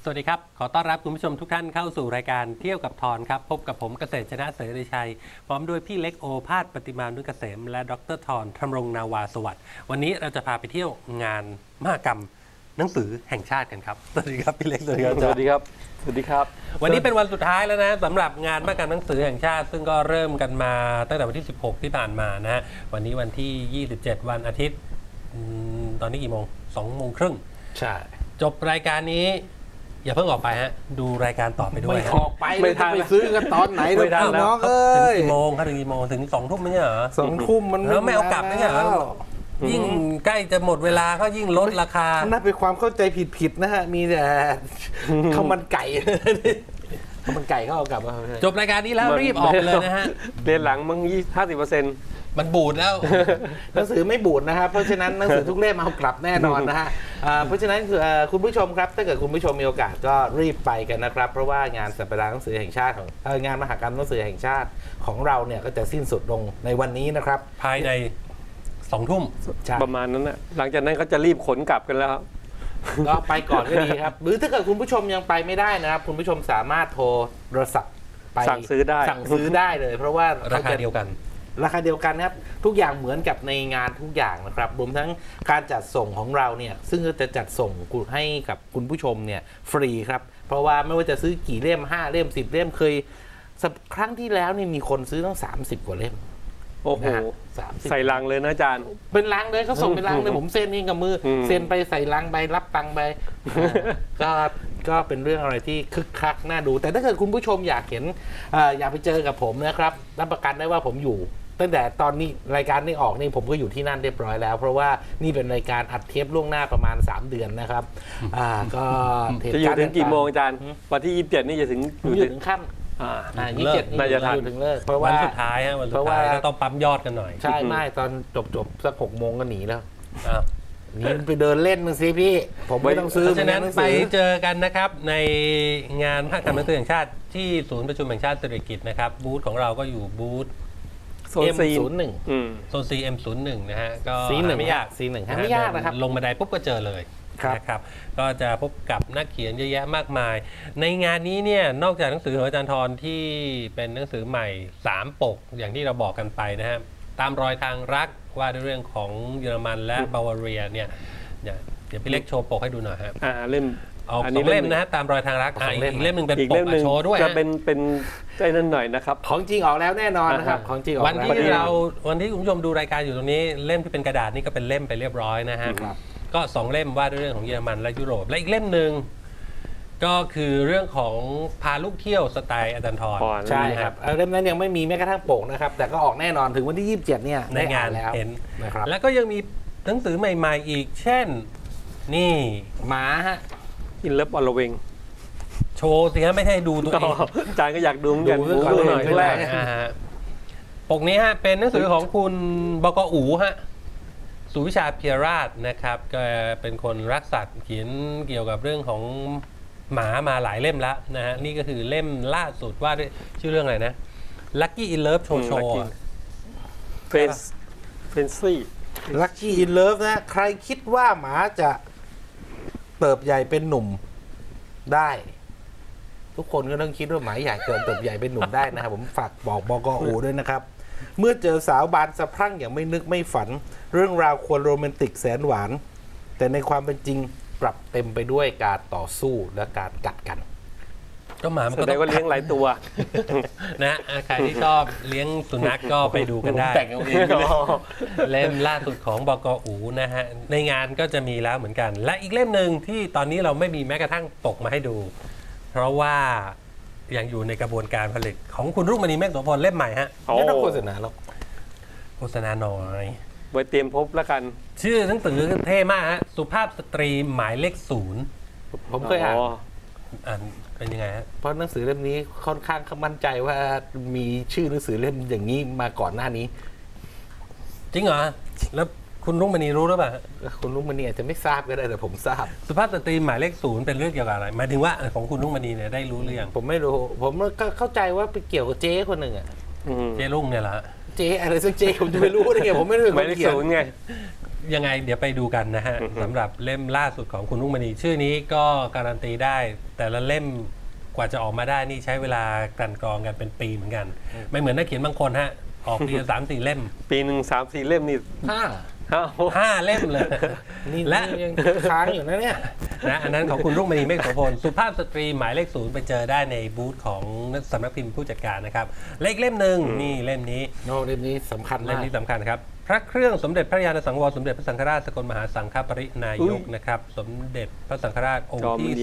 สวัสดีครับขอต้อนรับคุณผู้ชมทุกท่านเข้าสู่รายการเที่ยวกับทอนครับพบกับผมเกษตรชนะเสรีชัยพร้อมด้วยพี่เล็กโอภาสปฏิมานุเกษมและดรทอนธำรงนาวาสวัสดิ์วันนี้เราจะพาไปเที่ยวงานมหกรรมหนังสือแห่งชาติกันครับสวัสดีครับพี่เล็กสวัสดีครับสวัสดีครับ สวัสดีครับวันนี้เป็นวันสุดท้ายแล้วนะสำหรับงานมหกรรมหนังสือแห่งชาติ ซึ่งก็เริ่มกันมาตั้งแต่วันที่ 16 ที่ผ่านมานะฮะวันนี้วันที่ 27 วันอาทิตย์ตอนนี้กี่โมง2 โมงครึ่งใช่จบรายการนี้อย่าเพิ่งออกไปฮะดูรายการต่อไปด้วยไม่ฮะออกไปไม่ทันไปซื้อกันตอนไหนไม่ทันแล้วน้องถึเอ้ยงกี่โมงครับถึงกี่โมงถึง2 ทุ่มไม่ใช่เหรอ 2 ทุ่มมันแล้วไม่เอากลับไม่ใช่เหรอ ยิ่งใกล้จะหมดเวลาก็ยิ่งลดราคาน่าเป็นความเข้าใจผิดๆนะฮะมีแต่ข้าวมันไก่ข้าวมันไก่เขาเอากลับมาจบรายการนี้แล้วรีบออกเลยนะฮะเรียนหลังมึง50% มันบูดแล้วหนังสือไม่บูดนะครับเพราะฉะนั้นหนังสือทุกเล่มเอากลับแน่นอนนะฮะเพราะฉะนั้นคุณผู้ชมครับถ้าเกิดคุณผู้ชมมีโอกาสก็รีบไปกันนะครับเพราะว่างานสัปดาห์หนังสือแห่งชาติของงานมหกรรมหนังสือแห่งชาติของเราเนี่ยก็จะสิ้นสุดลงในวันนี้นะครับภายใน2 ทุ่มใช่ประมาณนั้นนะหลังจากนั้นเขาจะรีบขนกลับกันแล้วครับก็ไปก่อนก็ดีครับ หรือถ้าเกิดคุณผู้ชมยังไปไม่ได้นะครับ คุณผู้ชมสามารถโทรศัพท์ไปสั่งซื้อได้สั่งซื้อได้เลย เพราะว่าราคาเดียวกันราคาเดียวกันครับทุกอย่างเหมือนกับในงานทุกอย่างนะครับรวมทั้งการจัดส่งของเราเนี่ยซึ่งจะจัดส่งให้กับคุณผู้ชมเนี่ยฟรีครับเพราะว่าไม่ว่าจะซื้อกี่เล่ม5 เล่ม 10 เล่มเคยครั้งที่แล้วนี่มีคนซื้อตั้ง30 กว่าเล่มโอ้โหนะฮะ30 ใส่ลังเลยนะอาจารย์เป็นลังเลยเขาส่งเป็นลังเลยผมเซ็นเองกับมืออมเซ็นไปใส่ลังไปรับตังค์ไปก็เป็นเรื่องอะไรที่คึกคักน่าดู แต่ถ้าเกิดคุณผู้ชมอยากเห็นอยากไปเจอกับผมนะครับรับประกันได้ว่าผมอยู่ ตั้งแต่ตอนนี้รายการนี้ออกนี่ผมก็อยู่ที่นั่นเรียบร้อยแล้ว เพราะว่านี่เป็นรายการอัดเทปล่วงหน้าประมาณ3 เดือนนะครับก็เหตุจะอยู่การณ์ถึงกี่โมงอาจารย์ วันที่27นี่จะถึงอยู่ถึงค่ำ 27 น่าจะทันอยู่ถึงเลิกเพราะวัว่านสุดท้ายฮะวันสุเพดราะว่าท้ายก็ต้องปั๊มยอดกันหน่อยใช่ไม่ตอนจบสัก6 โมงก็หนีแล้วอ้าวนี่ไปเดินเล่นมึงสิพี่ ผมไม่ต้องซื้อเพราะฉะนั้นหงสือไปเจอกันนะครับในงานมหกรรมหนังสือแห่งชาติที่ศูนย์ประชุมแห่งชาติสิริกิติ์นะครับบูธของเราก็อยู่บูธโซนซีน M01 อืมโซน CM01 นะฮะก็ C1 ไม่ยาก C1 ไม่ยากนะครับลงบันไดปุ๊บก็เจอเลยครับนะครับก็จะพบกับนักเขียนเยอะแยะมากมาย ในงานนี้เนี่ยนอกจากหนังสือของอาจารย์ทรที่เป็นหนังสือใหม่3 ปกอย่างที่เราบอกกันไปนะฮะตามรอยทางรักว่าด้วยเรื่องของเยอรมันและบาวาเรียเนี่ยเดี๋ยวพี่เล็กโชว์ปกให้ดูหน่อยครับเล่มเอาอันสนี้องเล่มนะฮะตามรอยทางรักสองเล่มอีกเล่มหนึ่งเป็นอีกปเล่กมหนึ่งโชว์ด้วยจะฮะเป็นใจนั่นหน่อยนะครับของจริงออกแล้วแน่นอนนะครับ ของจริงออกวันแล้วที่วันที่คุณผู้ชมดูรายการอยู่ตรงนี้เล่มที่เป็นกระดาษนี่ก็เป็นเล่มไปเรียบร้อยนะฮะครับก็2 เล่มว่าด้วยเรื่องของเยอรมันและยุโรปและอีกเล่มหนึ่งก็คือเรื่องของพาลูกเที่ยวสไตล์อาจารย์ทรใช่ครับเล่มนั้นยังไม่มีแม้กระทั่งปกนะครับ แต่ก็ออกแน่นอนถึงวันที่ 27 เนี่ยในงานได้อ่แล้วเห็นนะครับแล้วก็ยังมีหนังสือใหม่ๆอีก เช่น นี่หมาฮะอินเลิฟอลเวงโชว์สิฮะไม่ใช่ดูตัวเองอาจารย์ก็อยากดูเหมือนกันดูก่อนดูหน่อยเลยแรกฮะปกนี้ฮะเป็นหนังสือของคุณบกอูฮะสุวิชาเพียราชนะครับก็เป็นคนรักสัตว์เขียนเกี่ยวกับเรื่องของหมามาหลายเล่มแล้วนะฮะนี่ก็คือเล่มล่าสุดว่าด้วยชื่อเรื่องอะไรนะ Lucky in Love โชโชเฟนซี่ลัคกี้อินเลิฟนะ ใครคิดว่าหมาจะเติบใหญ่เป็นหนุ่มได้ ทุกคนก็ต้องคิดว่าหมาอยากเติบใหญ่เป็นหนุ่มได้นะครับ ผมฝากบอกบกอูด้วยนะครับ เมื่อเจอสาวบานสะพรั่งอย่างไม่นึกไม่ฝัน เรื่องราวควรโรแมนติกแสนหวาน แต่ในความเป็นจริงกลับเต็มไปด้วยการต่อสู้และการกัดกันก็หมามันแสก็ดต้องงว่าเลี้ยงหลายตัวนะใครที่ชอบเลี้ยงสุนัขก็ไปดูกันได้แต่งเอาเองไปเลยเล่มล่าสุดของบกอูนะฮะในงานก็จะมีแล้วเหมือนกัน และอีกเล่มหนึ่งที่ตอนนี้เราไม่มีแม้กระทั่งปกมาให้ดู เพราะว่ายังอยู่ในกระบวนการผลิตของคุณรุ่งมณีเมฆโสพลเล่มใหม่ฮะไม่ต้องโฆษณาหรอกโฆษณาหน่อยไว้เตรียมพบแล้วกันชื่อหนังสือเท่มากฮะสุภาพสตรีหมายเลขผมเคยอ่านอ่านเป็นยังไงฮะเพราะหนังสือเล่มนี้ค่อนข้างมั่นใจว่ามีชื่อหนังสือเล่มอย่างนี้มาก่อนหน้านี้จริงเหรอแล้วคุณรุ่งมณีรู้หรือเปล่าฮะคุณลุงมณีอาจจะไม่ทราบก็ได้แต่ผมทราบสุภาพสตรีหมายเลข 0เป็นเรื่องเกี่ยวกับอะไรหมายถึงว่าของคุณรุ่งมณีเนี่ยได้รู้หรือยังผมไม่รู้ ผมก็เข้าใจว่าไปเกี่ยวกับเจ๊คนหนึ่งอะเจรุ่งเนี่ยเหรอฮะเจ๊อะไรสักเจ๊ผมจะไม่รู้ได้ไงผมไม่รู้หมายเลขเขียนศูนย์ไงยังไงเดี๋ยวไปดูกันนะฮะสำหรับเล่มล่าสุดของคุณรุ่งมณีชื่อนี้ก็การันตีได้ แต่ละเล่มกว่าจะออกมาได้นี่ใช้เวลากลั่นกรองกันเป็นปีเหมือนกัน ไม่เหมือนนักเขียนบางคนฮะออกทีละ3-4 เล่มปีหนึ่ง3-4 เล่มนี่ห้า 5 เล่มเลยนี่และยังค้างอยู่นะเนี่ยนะอันนั้นของคุณรุ่งมณีเมฆโสพลสุภาพสตรีหมายเลข 0ไปเจอได้ในบูธของสำนักพิมพ์ผู้จัดการนะครับเลขเล่มหนึ่งนี่เล่มนี้โน้ตเล่มนี้สำคัญเล่มาม กนี้สำคัญครับ พระเครื่องสมเด็จพระยาณสังวรสมเด็จพระสังฆราชสกลมหาสังฆปรินายกนะครับ สมเด็จพระสังฆราชองค์ที่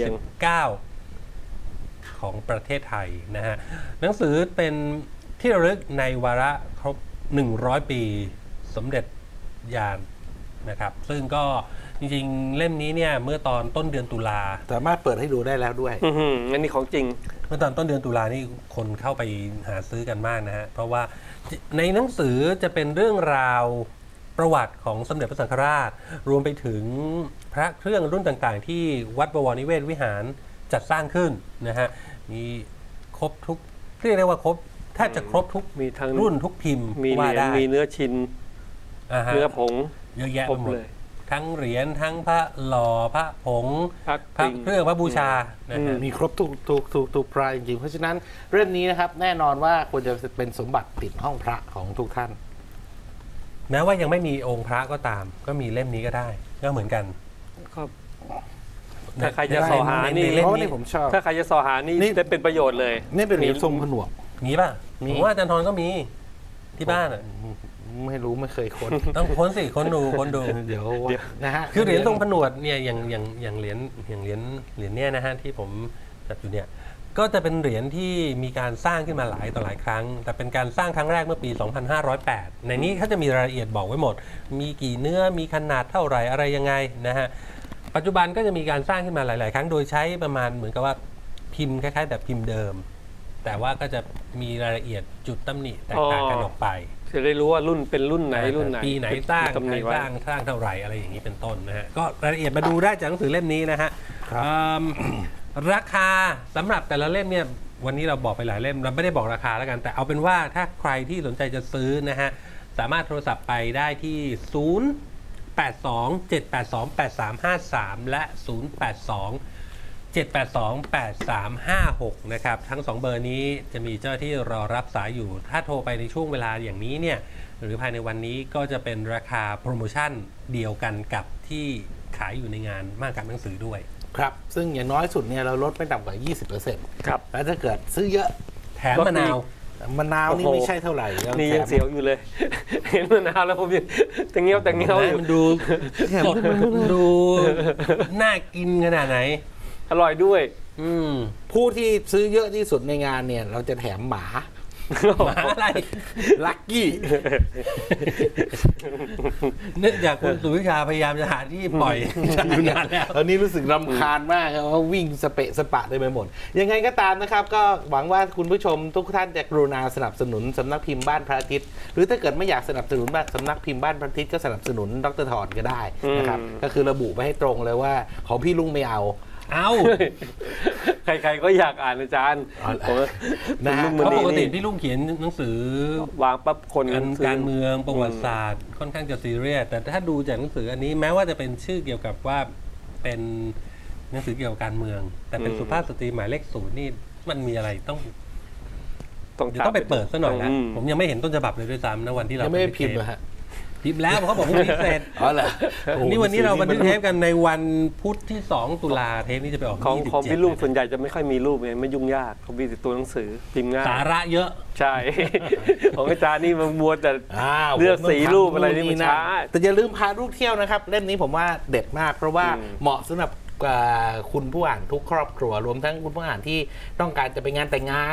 19 ของประเทศไทยนะฮะหนังสือเป็นที่ระลึกในวาระครบ 100 ปีสมเด็จยานนะครับ ซึ่งก็จริงๆ เล่มนี้เนี่ยเมื่อตอนต้นเดือนตุลาสามารถเปิดให้ดูได้แล้วด้วยอันนี้ของจริงเมื่อตอนต้นเดือนตุลานี่คนเข้าไปหาซื้อกันมากนะฮะ เพราะว่าในหนังสือจะเป็นเรื่องราวประวัติของสมเด็จพระสังฆราช รวมไปถึงพระเครื่องรุ่นต่างๆ ที่วัดบวรนิเวศวิหารจัดสร้างขึ้นนะฮะ มีครบทุกเรียกได้ว่าครบแทบจะครบทุกมีทั้งรุ่นทุกพิมพ์มีเหว่ารียญได้มีเนื้อชิ้นฮะเนื้อผงเยอะแยะครไปบหมดเลยทั้งเหรียญทั้งพระหล่อพระผงพักพระปิงเครื่องพระบูชานะฮะมีครบทุกพระจริงๆ เพราะฉะนั้นเรื่องนี้นะครับ แน่นอนว่าควรจะเป็นสมบัติติดห้องพระของทุกท่านแม้ว่ายังไม่มีองค์พระก็ตาม ก็มีเล่มนี้ก็ได้ก็เหมือนกันก็ถ้าใครจะสอหานี่เล่มเพราะว่านี้นี่ผมชอบถ้าใครจะสอหานี่นี่จะเป็นประโยชน์เลยนี่เป็นเหรียญทรงผนวกมีป่ะมีผมว่าอาจารย์ทรก็มีที่บ้านอ่ะไม่รู้ไม่เคยค้นต้องค้นสิค้นดูค้นดูเดี๋ยวนะฮะคือเหรียญทรงผนวดเนี่ยอย่างเหรียญเนี่ยนะฮะที่ผมจัดอยู่เนี่ยก็จะเป็นเหรียญที่มีการสร้างขึ้นมาหลายต่อหลายครั้ง แต่เป็นการสร้างครั้งแรกเมื่อปี 2508 ในนี้เขาจะมีรายละเอียดบอกไว้หมด มีกี่เนื้อมีขนาดเท่าไหร่อะไรยังไงนะฮะปัจจุบันก็จะมีการสร้างขึ้นมาหลาย ๆ ครั้งโดยใช้ประมาณเหมือนกับว่าพิมพ์คล้าย ๆ แบบพิมพ์เดิม แต่ว่าก็จะมีรายละเอียดจุดตำหนิแตกต่างกันออกไปจะได้รู้ว่ารุ่นเป็นรุ่นไหนรุ่นไหนปีไหนสร้างตำหใครนิไว้สร้างเท่าไหร่อะไรอย่างนี้เป็นต้นนะฮะก็รายละเอียดมาดูได้จากหนังสือเล่มนี้นะฮะครับราคาสำหรับแต่ละเล่มเนี่ยวันนี้เราบอกไปหลายเล่มเราไม่ได้บอกราคาแล้วกัน แต่เอาเป็นว่าถ้าใครที่สนใจจะซื้อนะฮะสามารถโทรศัพท์ไปได้ที่ 082-782-8353 และ 082-782-8356 นะครับทั้ง 2 เบอร์นี้จะมีเจ้าที่รอรับสายอยู่ ถ้าโทรไปในช่วงเวลาอย่างนี้เนี่ยหรือภายในวันนี้ก็จะเป็นราคาโปรโมชั่นเดียวกันกับที่ขายอยู่ในงานมหกรรมหนังสือด้วยครับ ซึ่งอย่างน้อยสุดเนี่ยเราลดไม่ต่ำกว่า 20% ครับแล้วถ้าเกิดซื้อเยอะแถมมะนาวมะนาวนี่โอ้โหไม่ใช่เท่าไหร่เรานี่แถยังมเสียวอยู่เลย เห็นมะนาวแล้วผมยังแต่เงี้ยวอยู่มันดูสดดูน่ากินขนาดไหนอร่อยด้วยอืมผู้ที่ซื้อเยอะที่สุดในงานเนี่ย เราจะแถมหมาหมาอะไรลักกี้เนื่องจากคุณสุวิชาพยายามจะหาที่ปล่อยอยู่นานแล้วตอนนี้รู้สึกรำคาญมากครับว่าวิ่งสเปะสปะได้ไปหมด ยังไงก็ตามนะครับ ก็หวังว่าคุณผู้ชมทุกท่านจะกรุณาสนับสนุนสำนักพิมพ์บ้านพระอาทิตย์หรือถ้าเกิดไม่อยากสนับสนุนบ้านสำนักพิมพ์บ้านพระอาทิตย์ก็สนับสนุนดร.ถอนก็ได้นะครับก็คือระบุไปให้ตรงเลยว่าของพี่ลุงไม่เอาเอาใครๆก็อยากอ่านอาจารย์เอาล่ะผมว่านะฮะลุงเพมราะณีปกตินี่พี่ลุงเขียนหนังสือวางปั๊บคนการเมืองประวัติศาสตร์ค่อนข้างจะซีเรียสแต่ถ้าดูจากหนังสืออันนี้แม้ว่าจะเป็นชื่อเกี่ยวกับว่าเป็นหนังสือเกี่ยวกับการเมือง แต่เป็นสุภาพสตรีหมายเลข 0นี่มันมีอะไรต้องเดี๋ยวต้องไปเปิดซะหน่อยนะผมยังไม่เห็นต้นฉบับเลยด้วยซ้ำนะวันที่เรายังไม่ได้พิมพ์เหรอฮะพิมพ์แล้วเพราะเขาบอกพรุ่งนี้เสร็จอ๋อเหรอโอ้โหนี่วันนี้เราบันทึกเทปกันในวันพุธที่ 2 ตุลาเทปนี้จะไปออกของ 27 ของพี่ลุงส่วนใหญ่จะไม่ค่อยมีรูปไงไม่ยุ่งยากเขามีแต่ตัวหนังสือพิมพ์ง่ายสาระเยอะใช่ ของอาจารย์นี่มันมัวแต่อ้าวเลือกผมต้งสีรูปอะไรนี่มันทำช้าแต่อย่าลืมพาลูกเที่ยวนะครับเล่มนี้ผมว่าเด็ดมาก เพราะว่าอืมเหมาะสำหรับคุณผู้อ่านทุกครอบครัวรวมทั้งคุณผู้อ่านที่ต้องการจะไปงานแต่งงาน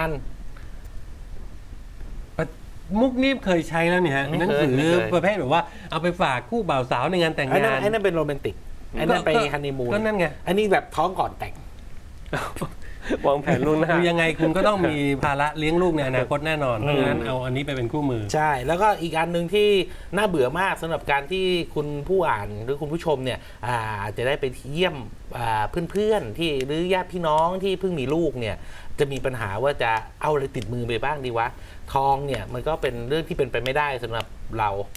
มุกนี้เคยใช้แล้วเนี่ยฮะไม่เคยหนังสือไม่เคยประเภทแบบว่าเอาไปฝากคู่บ่าวสาวในงานแต่งไอ้นั่งาน นไอ้นั่นเป็นโรแมนติกไอ้นั่นไปฮันนีมูนก็นั่นไงอันนี้แบบท้องก่อนแต่งวางแผนล่วงหน้าคือยังไงคุณก็ต้องมีภาระเลี้ยงลูกในอนาคตแน่นอน เพราะฉะนั้นเอาอันนี้ไปเป็นคู่มือใช่ แล้วก็อีกอันหนึ่งที่น่าเบื่อมากสำหรับการที่คุณผู้อ่านหรือคุณผู้ชมเนี่ยจะได้ไปเยี่ยมเพื่อนๆที่หรือญาติพี่น้องที่เพิ่งมีลูกเนี่ยจะมีปัญหาว่าจะเอาอะไรติดมือไปบ้างดีวะทองเนี่ยมันก็เป็นเรื่องที่เป็นไปไม่ได้สำหรับเรา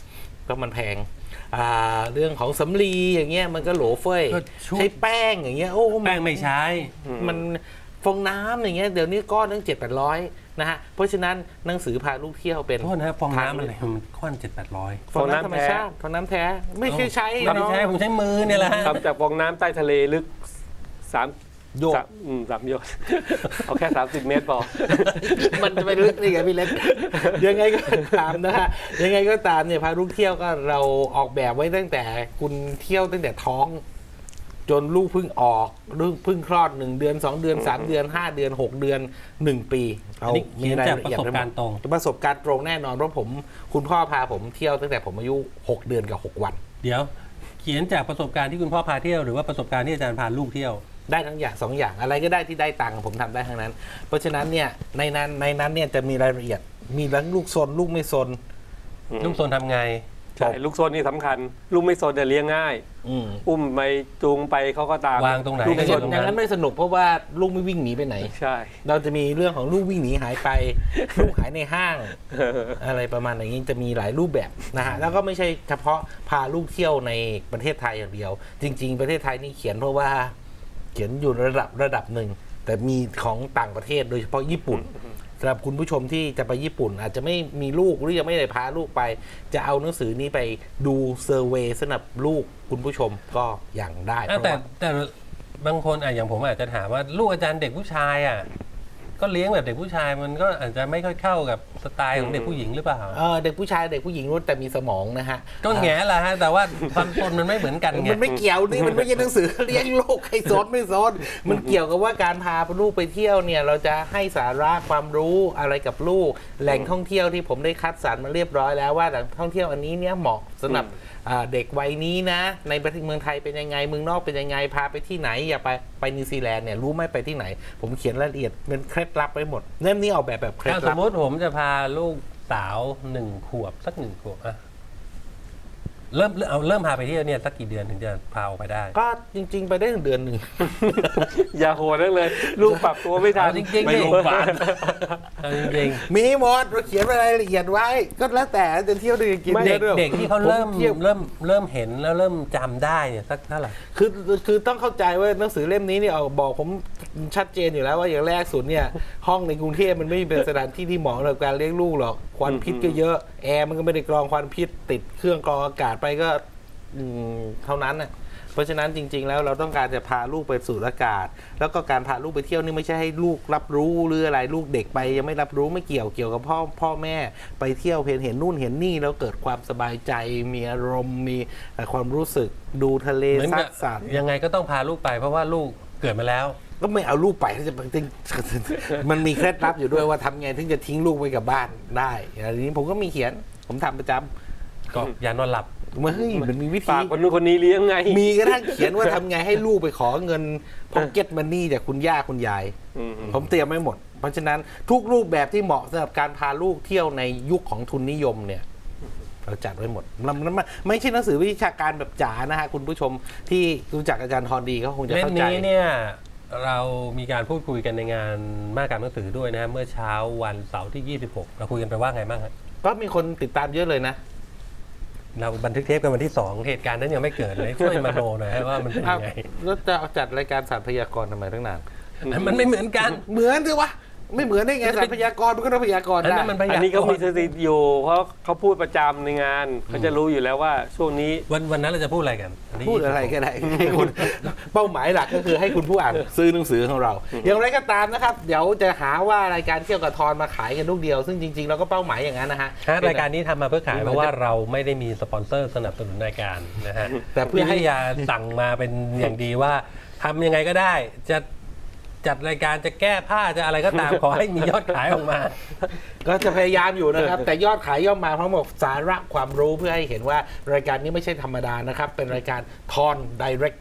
ก็มันแพงเรื่องของสำลีอย่างเงี้ยมันก็โหลเฟ้ยก็ชุบใช้แป้งอย่างเงี้ยโอ้แป้งไม่ใช้มันฟองน้ำอย่างเงี้ยเดี๋ยวนี้ก้อนนึง700-800นะฮะเพราะฉะนั้นหนังสือพาลูกเที่ยวเป็นโทษนะฟองน้ำอะไรมันก้อน700-800 ฟองน้ำธรรมชาติฟองน้ำแท้ไม่เคยใช้ไม่เนาะใช้ผมใช้มือเนี่ยแหละฮะทำจากฟองน้ำใต้ทะเลลึกสามโยก 3 โยชน์ เอาแค่ 30 เมตรพอมันจะไปลึกนี่ไงพี่เล็ก ยังไงก็ตามนะฮะยังไงก็ตามเนี่ยพาลูกเที่ยวก็เราออกแบบไว้ตั้งแต่คุณเที่ยวตั้งแต่ท้อง จนลูกเพิ่งออกลูกเพิ่งคลอด1 เดือน 2 เดือน 3 เดือน 5 เดือน 6 เดือน 1 ปีอันนี้เขียนจากประสบการณ์ตรงประสบการณ์ตรงแน่นอนเพราะคุณพ่อพาผมเที่ยวตั้งแต่ผมอายุ6 เดือนกับ 6 วันเดี๋ยวเขียนจากประสบการณ์ที่คุณพ่อพาเที่ยวหรือว่าประสบการณ์ที่อาจารย์พาลูกเที่ยวได้ทั้งอย่าง2 อย่างอะไรก็ได้ที่ได้ตังค์ผมทำได้ทั้งนั้น เพราะฉะนั้นเนี่ยในนั้นเนี่ยจะมีรายละเอียดมีทั้งลูกซนลูกไม่ซนลูกโซนทำไงใช่ ลูกโซนนี่สำคัญ ลูกไม่โซนจะเลี้ยงง่าย อุ้มไปจูงไปเขาก็ตามวางตรงไหนลูกก็ไม่อซยู่นตรงอย่างนั้นั้นนไม่สนุกเพราะว่าลูกไม่วิ่งหนีไปไหนใช่เราจะมีเรื่องของลูกวิ่งหนีหายไป ลูกหายในห้าง อะไรประมาณอย่างนี้จะมีหลายรูปแบบนะฮะแล้วก็ไม่ใช่เฉพาะพาลูกเที่ยวในประเทศไทยอย่างเดียว จริง ๆ ประเทศไทยนี่เขียนเพราะว่าเขียนอยู่ระดับหนึ่งแต่มีของต่างประเทศโดยเฉพาะญี่ปุ่นสำหรับคุณผู้ชมที่จะไปญี่ปุ่น อาจจะไม่มีลูกหรือยังไม่ได้พาลูกไป จะเอาหนังสือนี้ไปดูเซอร์เวย์สำหรับลูกคุณผู้ชมก็อย่างได้เพราะแต่ว่าแต่บางคนอย่างผมอาจจะถามว่าลูกอาจารย์เด็กผู้ชายก็เลี้ยงแบบเด็กผู้ชายมันก็อาจจะไม่ค่อยเข้ากับสไตล์ของเด็กผู้หญิงหรือเปล่าเด็กผู้ชายเด็กผู้หญิงรู้แต่มีสมองนะฮะก็แง่ละฮะแต่ว่าความตนมันไม่เหมือนกันไงมันไม่เกี่ยวนี่มันไม่ใช่หนังสือเลี้ยงลูกให้ซนไม่ซนมันเกี่ยวกับว่าการพาลูกไปเที่ยวเนี่ยเราจะให้สาระความรู้อะไรกับลูกแหล่งท่องเที่ยวที่ผมได้คัดสรรมาเรียบร้อยแล้วว่าแหล่งท่องเที่ยวอันนี้เนี่ยเหมาะสำหรับเด็กวัยนี้นะในประเทศเมืองไทยเป็นยังไงเมืองนอกเป็นยังไงพาไปที่ไหนอย่าไปนิวซีแลนด์เนี่ยรู้ไหมไปที่ไหน ผมเขียนรายละเอียดเป็นเคล็ดลับไว้หมดเล่มนี้ออกแบบเคล็ดถ้าสลัมบมติผมจะพาลูกสาว1 ขวบสัก1 ขวบเริ่มพาไปเที่ยวเนี่ยสักกี่เดือนถึงจะพาออกไปได้ก็จริง ๆ ไปได้1 เดือนอย่าโหดนักเลย ลูกปรับตัวไม่ทันเอาจริงๆไปโรงพยาบาลเอาจริงมีหมดเราเขียนรายละเอียดไว้ ก็แล้วแต่จะเที่ยวเดือนกินๆเที่ยวด้วยเด็กที่เขาเริ่มผมเที่ยวเริ่มเห็นแล้วเริ่มจำได้เนี่ยสักเท่าไหร่คือต้องเข้าใจว่าหนังสือเล่มนี้เนี่ยบอกผมชัดเจนอยู่แล้วว่าอย่างแรกสุดเนี่ย ห้องในกรุงเทพมันไม่เป็นสถานที่ที่เหมาะสำหรับการเลี้ยงลูกหรอกควันพิษก็เยอะแอร์มันก็ไม่ได้กรองควันพิษติดเครื่องกรองอากาศไปก็เท่านั้นน่ะเพราะฉะนั้นจริง ๆ แล้วเราต้องการจะพาลูกไปสูดอากาศ แล้วก็การพาลูกไปเที่ยวนี่ไม่ใช่ให้ลูกรับรู้หรืออะไรลูกเด็กไปยังไม่รับรู้ไม่เกี่ยวกับพ่อแม่ไปเที่ยวเห็นนู่นเห็นนี่แล้วเกิดความสบายใจมีอารมณ์มีความรู้สึกดูทะเลเหมือนซักับดสัตว์ยังไงก็ต้องพาลูกไปเพราะว่าลูกเกิดมาแล้วก็ไม่เอาลูกไปถ้าจะจริง มันมีเคล็ดลับอยู่ด้วยว่าทำไงถึงจะทิ้งลูกไว้กับบ้านได้อันนี้ผมก็มีเขียนผมทำประจำก็ยานอนหลับเฮ้ยมันมีวิธีฝากคนนู้นคนนี้เลี้ยงไงมีกระทั่งเขียนว่าทำไงให้ลูกไปขอเงินพ็อกเก็ตมันนี่จากคุณย่าคุณยาย ผมเตรียมไว้หมด เพราะฉะนั้นทุกรูปแบบที่เหมาะสำหรับการพาลูกเที่ยวในยุคของทุนนิยมเนี่ยเราจัดไว้หมดมันไม่ใช่หนังสือวิชาการแบบจ๋านะฮะคุณผู้ชมที่รู้จักอาจารย์ทรดีเขาคงจะเล่มเข้าใจนี้เนี่ยเรามีการพูดคุยกันในงานมหกรรมหนังสือด้วยนะเมื่อเช้าวันเสาร์ที่ 26 เราคุยกันไปว่าไงบ้างครับก็มีคนติดตามเยอะเลยนะเราบันทึกเทปกันวันที่ 2 เหตุการณ์นั้นยังไม่เกิดเลยช่วยมาโนหน่อยฮะว่ามันเป็นยังไงแล้วจะเอาจัดรายการสารพยากรณ์ทำไมตั้งนานมันไม่เหมือนกันเหมือนสิวะไม่เหมือนได้ไงสารพยากรณ์มันก็ต้องพยากรณ์อันได้นั้นมันพอัยานนี้เขากมีรสณ์ถิติอยู่ เพราะเขาพูดประจำในงานเขาจะรู้อยู่แล้วว่าช่วงนี้วันนั้นเราจะพูดอะไรกันนนี้พูดอะไรก็ได้ให้คุณเป้าหมายหลักก็คือให้คุณผู้อ่านซื้อหนังสือของเรา อย่างไรก็ตามนะครับ เดี๋ยวจะหาว่ารายการเที่ยวกับทอนมาขายกันลูกเดียว ซึ่งจริงๆเราก็เป้าหมายอย่างนั้นนะฮะรายการนี้ทำมาเพื่อขายเพราะว่าเราไม่ได้มีสปอนเซอร์สนับสนุนรายการนะฮะแต่เพื่อให้วิทยาสั่งมาเป็นอย่างดีว่าทำยังไงก็ได้จะจัดรายการจะแก้ผ้าจะอะไรก็ตาม ขอให้มียอดขายออกมาก็จะพยายามอยู่นะครับ แต่ยอดขายย่อมมาพร้อมกับสาระความรู้เพื่อให้เห็นว่ารายการนี้ไม่ใช่ธรรมดานะครับ เป็นรายการทอน direct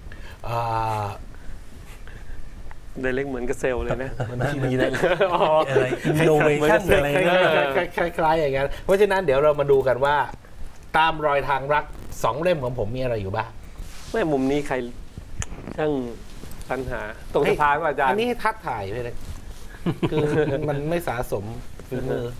ไดเล็กเหมือนกับเซลล์เลยนะมันมีอะไรอินโนเวชันอะไรคล้ายๆอย่างนั้นเพราะฉะนั้นเดี๋ยวเรามาดูกันว่า ตามรอยทางรัก2 เล่มของผมมีอะไรอยู่บ้างแม่มุมนี้ใครช่างปัญหาตรงสะพานว่าอาจารอัย์นนี้ให้ทัดถ่ายไปเลยคือมันไม่สะสมฝีมือ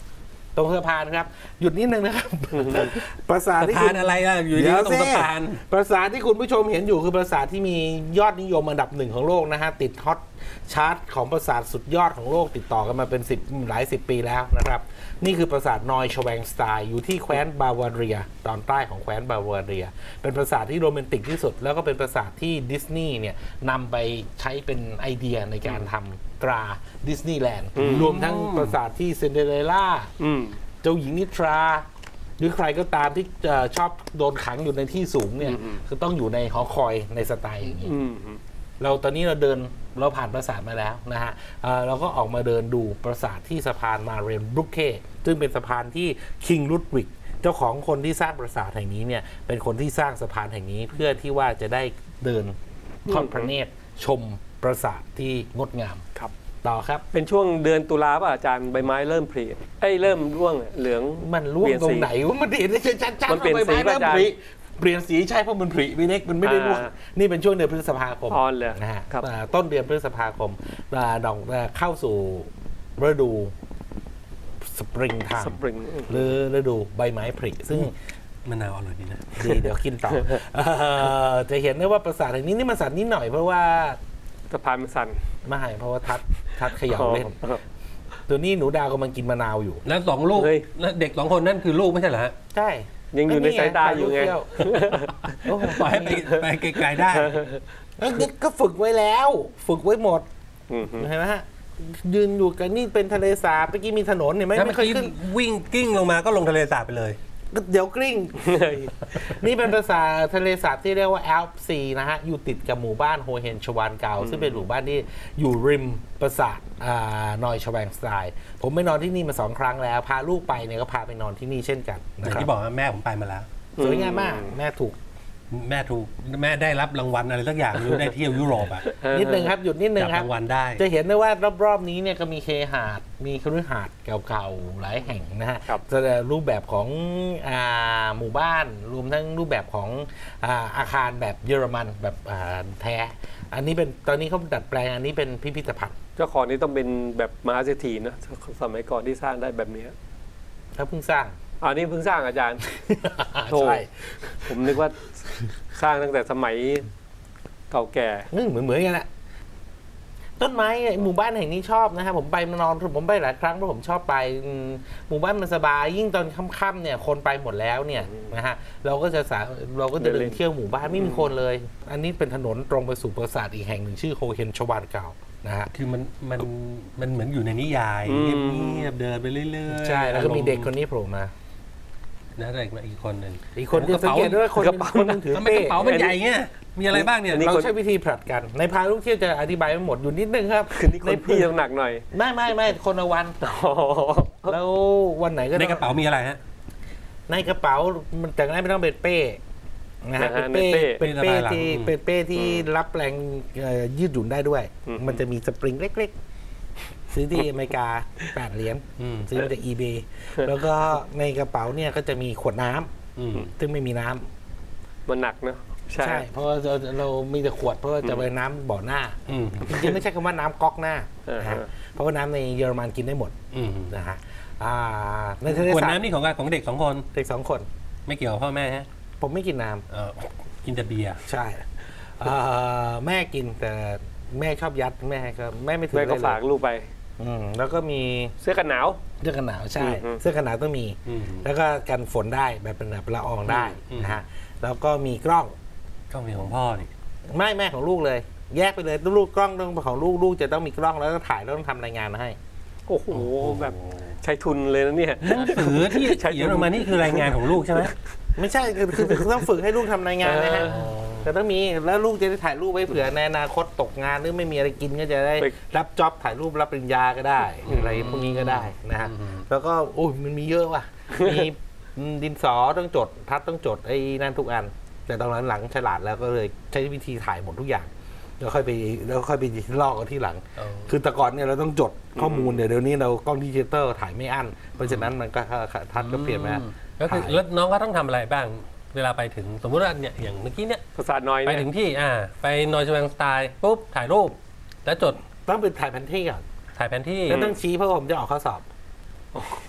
ตรงสะพานครับ หยุดนิดนึงนะครับ ปราสาทสะที่พาคุนณอะไรล่ะอยู่ที่ตรงสะพานปราสาทที่คุณผู้ชมเห็นอยู่คือปราสาทที่มียอดนิยมอันดับหนึ่งของโลกนะฮะติดฮอตชาร์ตของปราสาทสุดยอดของโลกติดต่อกันมาเป็นหลายสิบปีแล้วนะครับนี่คือปราสาทนอยชแวงสไตน์อยู่ที่แคว้นบาวาเรียตอนใต้ของแคว้นบาวาเรียเป็นปราสาทที่โรแมนติกที่สุดแล้วก็เป็นปราสาทที่ดิสนีย์เนี่ยนำไปใช้เป็นไอเดียในการทำตราดิสนีย์แลนด์รวมทั้งปราสาทที่ซินเดอเรลล่า เจ้าหญิงนิทรา หรือใครก็ตามที่ชอบโดนขังอยู่ในที่สูงเนี่ยคือต้องอยู่ในหอคอยในสไตล์อย่างนี้เราตอนนี้เราผ่านปราสาทมาแล้วนะฮะเราก็ออกมาเดินดูปราสาทที่สะพานมาเรนบรุกเคซึ่งเป็นสะพานที่คิงลุดวิกเจ้าของคนที่สร้างปราสาทแห่งนี้เนี่ยเป็นคนที่สร้างสะพานแห่งนี้เพื่อที่ว่าจะได้เดินทอดพระเนตรชมปราสาทที่งดงามครับต่อครับเป็นช่วงเดือนตุลาป่ะอาจารย์ใบไม้เริ่มผลิเริ่มร่วงเหลืองมันร่วงเปลี่ยนตรสีงไหนวะมันเห็นได้ชัดๆมันเปลี่ยนว่าใบสีไม้ป่ะอาจารย์เปลี่ยนสีใช่เพราะมันผลิไม่เล็กมันไม่ได้ร่วงนี่เป็นช่วงเดือนพฤษภาคมอ๋อเหรอนะฮะครับต้นเดือนพฤษภาคมดอกเข้าสู่ฤดูสปริงไทสม์ปริงหรือฤดูใบไม้ผลิซึ่งมะนาวอร่อยดีนะดีเดี๋ยวกินต่อจะเห็นได้ว่าปราสาทแห่งนี้นี่มันสั่นนิดหน่อยเพราะว่าสะพานมันสั่นไม่เพราะว่าทัดเขย่าเล่นอ๋อตัวนี้หนูดาวกำลังกินมะนาวอยู่แล้วสองลูกเฮ้ยแล้วเด็กสองคนนั่นคือลูกไม่ใช่เหรอฮะใช่ยังอยู่ในสายตาอยู่ไงโอ้โหปล่อยให้ไปไกลๆได้แล้วนี่ก็ฝึกไว้แล้ว ฝึกไว้หมดอืมเห็นไหมฮะ ยืนอยู่กันนี่เป็นทะเลสาบเมื่อกี้มีถนนเห็นไหมถ้าไม่เมื่อเคยกี้ขึ้นวิ่งกิ้งลงมาก็ลงทะเลสาบไปเลยเดี๋ยวกลิ้ง นี่เป็นภาษาทะเลสาบที่เรียกว่าแอลป์ซีนะฮะ อยู่ติดกับหมู่บ้านโฮเฮนชวานเกาซึ่งเป็นหมู่บ้านที่อยู่ริมปราสาทนอยชแวงสไตน์ผมไปนอนที่นี่มา2 ครั้งแล้ว พาลูกไปเนี่ยก็พาไปนอนที่นี่เช่นกันอนะย่างครับที่บอกว่าแม่ผมไปมาแล้วสวยงามมากแม่ถูกแม่ได้รับรางวัลอะไรสักอย่างไม่รู้ได้เที่ยวยุโรปอ่ะนิดนึงครับหยุดนิดนึงจับครับรางวัลได้จะเห็นได้ว่ารอบๆนี้เนี่ยก็มีเคหาดมีคฤหาสน์เก่าๆหลายแห่งนะฮะครับแสดงรูปแบบของหมู่บ้านรวมทั้งรูปแบบของอาคารแบบเยอรมันแบบแท้อันนี้เป็นตอนนี้เขาดัดแปลงอันนี้เป็นพิพิธภัณฑ์เจ้าของนี่ต้องเป็นแบบมหาเศรษฐีนะสมัยก่อนที่สร้างได้แบบนี้เขาเพิ่งสร้างอันนี้เพิ่งสร้างอาจารย์ โถ่ใช่ผมนึกว่าสร้างตั้งแต่สมัยเก่าแก่เหมือนกันแหละต้นไม้หมู่บ้านแห่งนี้ชอบนะฮะผมไปมานอนผมไปหลายครั้งเพราะผมชอบไปหมู่บ้านมันสบายยิ่งตอนค่ำๆเนี่ยคนไปหมดแล้วเนี่ยนะฮะเราก็จะเดินเที่ยวหมู่บ้านไม่มีคนเลย อันนี้เป็นถนนตรงไปสู่ปราสาทอีกแห่งหนึ่งชื่อโฮเฮนชวานเก่านะฮะคือมันเหมือนอยู่ในนิยายอืมเงียบๆเดินไปเรื่อยๆใช่แล้วก็มีเด็กคนนี้โผล่มานะเด็กมาอีกคนหนึ่งอีกคนที่สังเกตด้วยว่าคนกระเป๋าคนหนึงถือทำไมเป้กระเป๋ามันใหญ่เงี้ยมีอะไรบ้างเนี่ยอันนี้เราใช้วิธีผลัดกัน ในพาลูกเที่ยวจะอธิบายไม่หมดอยู่นิดนึงครับคือนี่คนพี่น้ำหนักหน่อยไม่คนละวัน แล้ววันไหนก็ในกระเป๋ามีอะไรฮะในกระเป๋ามันจากนั้นไม่ต้องเป็นเป้นะฮะนะฮะเป็นเป้เป็นเป้เป็นเป้ที่รับแรงยืดหยุ่นได้ด้วยอืมมันจะมีสปริงเล็กๆ ซื้อที่อเมริกา8 เหรียญอืมซื้อมาจาก eBay แล้วก็ในกระเป๋าเนี่ยก็จะมีขวดน้ำอืมซึ่งไม่มีน้ำมันหนักเนอะใช่ใช่ เพราะว่าเรามีแต่ขวดเพราะว่าจะไปน้ำบ่อหน้าอืมจริงๆไม่ใช่คำว่าน้ำก๊อกหน้าอ่านะฮะฮะเพราะว่าน้ำในเยอรมันกินได้หมดอืมนะฮะในทะเลขวดสาบน้ำนี่ของเด็ก2 คนเด็ก2 คนไม่เกี่ยวกับพ่อแม่ฮะผมไม่กินน้กินแต่เบียร์ำใช่แม่กินแต่แม่ชอบยัดแม่ไม่ถือแม่ก็ได้เลฝากยลูกไปแล้วก็มีเสื้อกันหนาวเสื้อกันหนาวใช่อืมเสื้อกันหนาวต้องมีอืมแล้วก็กันฝนได้แบบเป็นแบบละอองได้อืมนะฮะแล้วก็มีกล้องกล้องมีของพ่อนี่ไม่แม่ของลูกเลย แยกไปเลยลูกกล้องต้องของลูกจะต้องมีกล้องแล้วก็ถ่ายแล้วต้องทำรายงานมาให้โอ้โหแบบใช้ทุนเลยนะเนี่ยหนังสือที่เขียนออกมานี่คือรายงานของลูกใช่ไหมไม่ใช่คือต้องฝึกให้ลูกทำรายงานนะฮะอ๋อแต่ต้องมีแล้วลูกจะได้ถ่ายรูปไว้เผื่อในอนาคตตกงานหรือไม่มีอะไรกินก็จะได้ไปรับจ็อบถ่ายรูปรับปริญญาก็ได้ อะไรพวกนี้ก็ได้นะฮะแล้วก็โอ้ยมันมีเยอะว่ะมีดินสอต้องจดทัดต้องจดไอ้นั่นทุกอัน แต่ตอนนั้นหลังฉลาดแล้วก็เลยใช้วิธีถ่ายหมดทุกอย่างแล้วค่อยไปลอกกันที่หลังอ๋อคือแต่ก่อนเนี่ยเราต้องจดข้อมูลเดี๋ยวนี้เรากล้องดิจิตอลถ่ายไม่อั้นเพราะฉะนั้นมันก็ทัดก็เปลี่ยนมาก็คือแล้วน้องก็ต้องทำอะไรบ้าง เวลาไปถึงสมมติว่าเนี่ยอย่างเมื่อกี้เนี่ยภาษาน้อยไปเนี่ยถึงที่ไปนอยชแวงสไตล์ปุ๊บถ่ายรูป แล้วจดต้องเป็นถ่ายแผนที่ก่อนถ่ายแผนที่แล้วต้องชี้เพราะผมจะออกข้อสอบ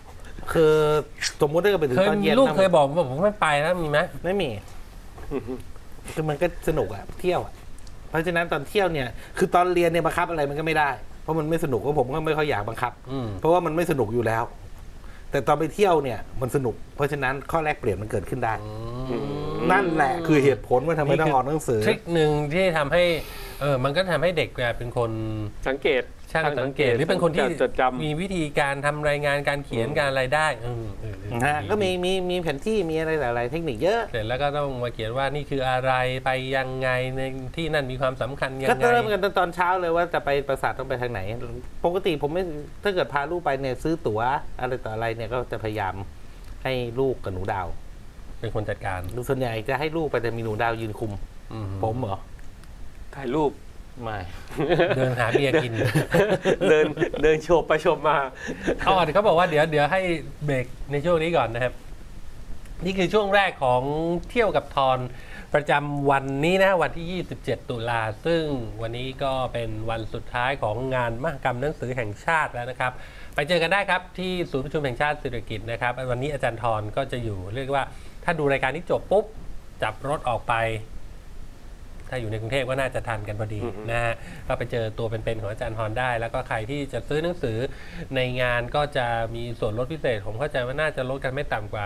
คือสมมติถ้าเกิดไปถึงเคยตอนเย็นลูกนะเคยบอกว่าผมไม่ไปแล้วมีไหมไม่มีคือมันก็สนุกอะเที่ยวอะเพราะฉะนั้นตอนเที่ยวเนี่ยคือตอนเรียนเนี่ยบังคับอะไรมันก็ไม่ได้เพราะมันไม่สนุกก็ผมก็ไม่ค่อยอยากบังคับ เพราะว่ามันไม่สนุกอยู่แล้ว แต่ตอนไปเที่ยวเนี่ยมันสนุก เพราะฉะนั้นข้อแรกเปลี่ยนมันเกิดขึ้นได้ นั่นแหละคือเหตุผลว่าทำไมต้องออกหนังสือทริคหนึ่งที่ทำให้มันก็ทำให้เด็กเป็นคนสังเกตช่างสังเกตหรือเป็นคนที่จดจำมีวิธีการทำรายงานการเขียนการอะไรได้นะฮะก็มีแผนที่มีอะไรหลายๆเทคนิคเยอะเสร็จแล้วก็ต้องมาเขียนว่านี่คืออะไรไปยังไงในที่นั่นมีความสำคัญยังก็ไงเริ่มกันตอนเช้าเลยว่าจะไปปราสาทต้องไปทางไหน ปกติผมไม่ถ้าเกิดพาลูกไปเนี่ยซื้อตั๋วอะไรต่ออะไรเนี่ยก็จะพยายามให้ลูกกับหนูดาวเป็นคนจัดการส่วนใหญ่จะให้ลูกไปแต่มีหนูดาวยืนคุม ผมเหรอถ่ายรูปไม่เดินหาเบียร์กินเดินโฉบไปโฉบมาเขาบอกว่าเดี๋ยวให้เบรกในช่วงนี้ก่อนนะครับ นี่คือช่วงแรกของเที่ยวกับทอนประจำวันนี้นะวันที่ 27 ตุลาซึ่งวันนี้ก็เป็นวันสุดท้ายของงานมหกรรมหนังสือแห่งชาติแล้วนะครับ ไปเจอกันได้ครับที่ศูนย์ประชุมแห่งชาติสิริกิติ์นะครับวันนี้อาจารย์ทรก็จะอยู่เรียกว่าถ้าดูรายการนี้จบปุ๊บจับรถออกไป ถ้าอยู่ในกรุงเทพก็น่าจะทันกันพอดีนะฮะก็ไปเจอตัวเป็นๆของอาจารย์ทรได้ แล้วก็ใครที่จะซื้อหนังสือในงานก็จะมีส่วนลดพิเศษผมเข้าใจว่าน่าจะลดกันไม่ต่ำกว่า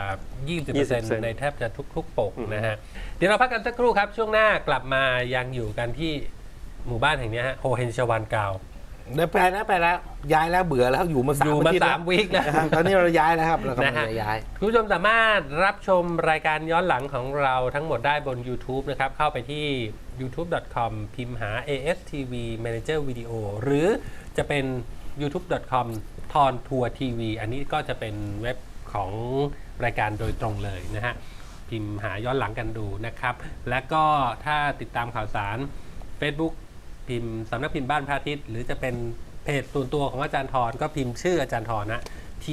20% ในแทบจะทุกๆปกนะฮะเดี๋ยวเราพักกันสักครู่ครับช่วงหน้ากลับมายังอยู่กันที่หมู่บ้านแห่งนี้ฮะโฮเฮนชวันกาวได้ไปแล้วย้ายแล้วเบื่อแล้วอยู่มาอยู่มาอาทิตย์ 3 วีคแล้วนะครับตอนนี้เราย้ายแล้วครับเรากำลังจะย้ายคุณผู้ชมสามารถรับชมรายการย้อนหลังของเราทั้งหมดได้บน YouTube นะครับ เข้าไปที่ youtube.com พิมพ์หา ASTV Manager Video หรือจะเป็น youtube.com ทอนทัวร์ทีวีอันนี้ก็จะเป็นเว็บของรายการโดยตรงเลยนะฮะ พิมพ์หาย้อนหลังกันดูนะครับ และก็ถ้าติดตามข่าวสาร Facebook พิมพ์สำนักพิมพ์บ้านพระอาทิตย์หรือจะเป็นเพจส่วนตัวของอาจารย์ทรก็พิมพ์ชื่ออาจารย์ทรนะ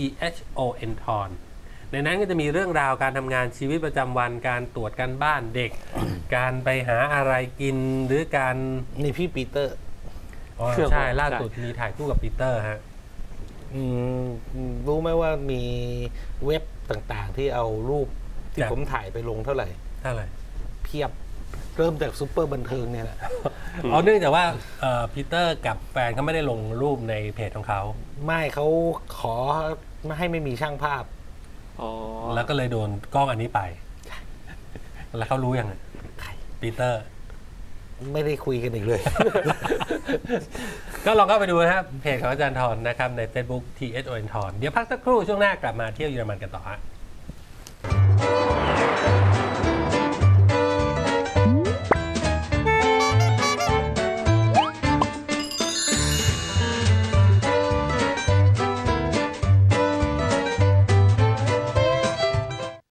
THON ทรในนั้นก็จะมีเรื่องราวการทำงานชีวิตประจำวันการตรวจการบ้านเด็ก การไปหาอะไรกินหรือการนี่พี่ปีเตอร์ใช่ล่าสุดมีถ่ายคู่กับปีเตอร์ฮะรู้ไหมว่ามีเว็บต่างๆ ที่เอารูปที่ครับผมถ่ายไปลงเท่าไหร่เท่าไหร่เพียบเริ่มจากซุปเปอร์บันเทิงเนี่ยแหละเนื่องจากว่าปีเตอร์กับแฟนเขาไม่ได้ลงรูปในเพจของเขาไม่เขาขอไม่ให้ไม่มีช่างภาพแล้วก็เลยโดนกล้องอันนี้ไป แล้วเขารู้ยังไงใครปีเตอร์ไม่ได้คุยกันอีกเลยก็ลองเข้าไปดูนะครับเพจของอาจารย์ทรนะครับใน Facebook THON ทรเดี๋ยวพักสักครู่ช่วงหน้ากลับมาเที่ยวเยอรมันกันต่อฮะ